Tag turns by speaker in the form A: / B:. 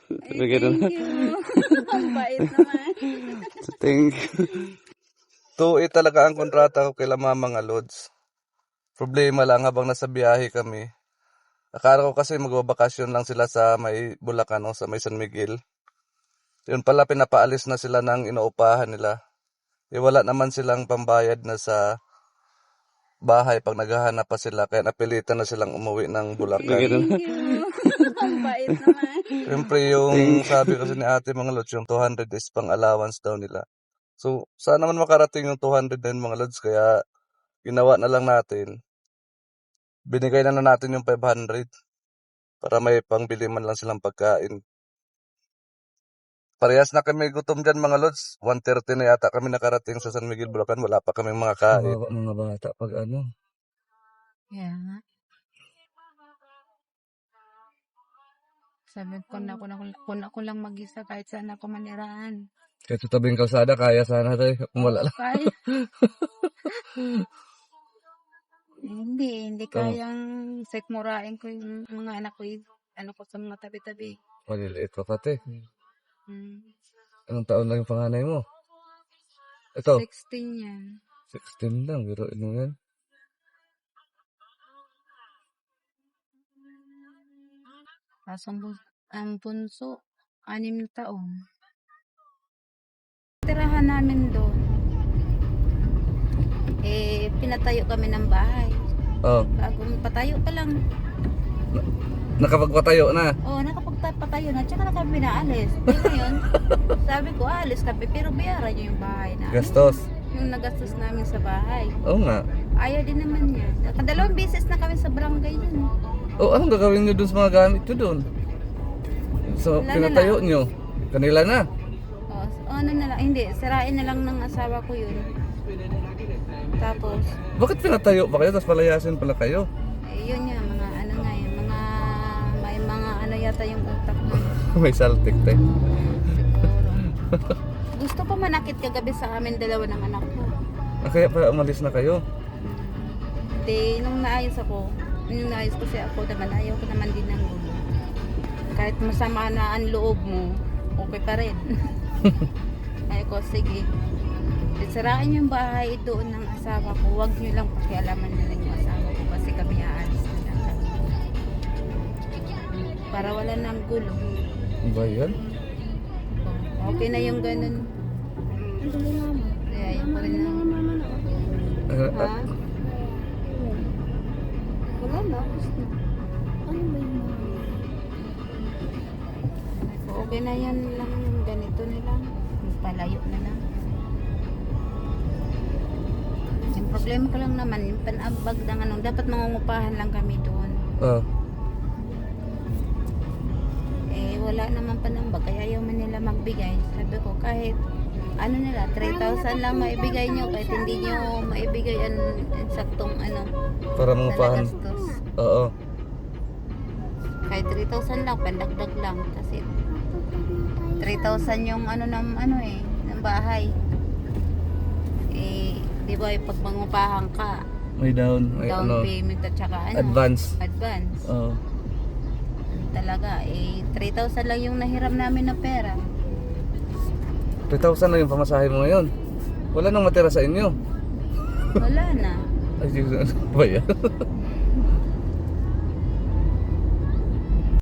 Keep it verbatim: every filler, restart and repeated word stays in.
A: Ay,
B: Bigyan na.
A: thank you. Ang bait naman.
B: Thank you. Tuwi talaga ang kontrata ko kila mama mga lods. Problema lang habang nasa biyahe kami. Akala ko kasi magbabakasyon lang sila sa may Bulacan o sa may San Miguel. Yun pala pinapaalis na sila ng inuupahan nila. E wala naman silang pambayad na sa bahay pag naghahanap pa sila. Kaya napilitan na silang umuwi ng Bulacan.
A: Thank you. Ang bait naman.
B: Siyempre yung sabi kasi ni ate mga lods, yung two hundred is pang allowance daw nila. So sana naman makarating yung two hundred na yun mga lods. Kaya ginawa na lang natin. Binigay na na natin yung five hundred para may pangbili man lang silang pagkain. Parehas na kami gutom dyan mga lods. one thirty na yata kami nakarating sa San Miguel, Bulacan. Wala pa kaming mga kain.
C: Kawawa mga bata pag ano.
A: Kaya nga. Sabi ko na ako, kung ako lang mag-isa kahit saan ako maniraan.
C: Kahit sa tabing kalsada, kaya sana tayo. Kung wala lang.
A: Kaya. Hindi, hindi kayang sekmurain ko yung mga anak ko, ano ko sa mga tabi-tabi.
C: Maliliit pa pati.
A: Hmm.
C: Anong taon lang yung panganay mo? Ito,
A: sixteen yan.
C: sixteen lang. Pero ano yan?
A: Tapos ang, bun- ang bunso, anim na taon. Tirahan namin doon. Eh, pinatayo kami ng bahay.
C: Oh,
A: Bagong patayo pa lang.
C: nakapagpatayo na.
A: Oo, oh, nakapagpatayo na. Tsaka na kami pinaalis. Eh, ngayon, sabi ko, alis kami. Pero bayaran niyo yung bahay na.
C: Gastos.
A: Yung nagastos namin sa bahay.
C: Oo nga.
A: Ayaw din naman niya. Kadalawang beses na kami sa barangay yun.
C: Oh, anong gagawin nyo dun sa mga gamit nyo dun? So,
A: Wala na
C: pinatayo
A: lang.
C: nyo. Kanila na.
A: O, so, ano na lang. Hindi, sirain na lang ng asawa ko yun. Tapos,
C: Bakit pinatayo pa kayo? Tapos palayasin pala kayo.
A: eh, yun nga, mga ano nga yun. Mga, may mga ano yata yung utak na yun.
C: May saltik tayo.
A: Siguro. Gusto ko manakit kagabi sa amin dalawa ng anak ko.
C: Ah, kaya pala umalis na kayo.
A: Di, nung naayos ako, nung naayos kasi ako naman, ayaw ko naman din ng gulo. Kahit masama na ang loob mo, okay pa rin. Ayaw ko, sige. Sirain yung bahay doon ng asawa ko. Huwag nyo lang pakialaman na lang yung asawa ko kasi kami aalis na lang. Para wala nang gulo.
C: Ano ba yan?
A: Okay na yung ganun. Kaya ayaw ko rin na.
C: Ah,
A: Ha?
C: ah,
A: Wala na. Ano ba yung okay na yan lang yung ganito na lang. Palayo na lang. Yung problema ko lang naman, yung panabag ng ano, dapat mangungupahan lang kami doon.
C: ah.
A: Eh, wala naman panambag, kaya ayaw man nila magbigay. Sabi ko, kahit ano nila, three thousand lang maibigay nyo, kahit hindi nyo maibigay ang ang saktong ano,
C: Para
A: na
C: mangupahan.
A: nagastos.
C: Oo.
A: Kahit three thousand lang, pandagdag lang. Kasi three thousand yung ano ng ano eh, ng bahay. Eh, di ba, pag mangupahan ka,
C: May down. May
A: down
C: ano.
A: payment at saka ano,
C: Advance.
A: advance.
C: Oo.
A: Talaga, eh, three thousand lang yung nahiram namin na pera.
C: three thousand lang yung pamasahe mo ngayon. Wala nang matira sa inyo.
A: Wala na.
C: Ay, ano ba yan?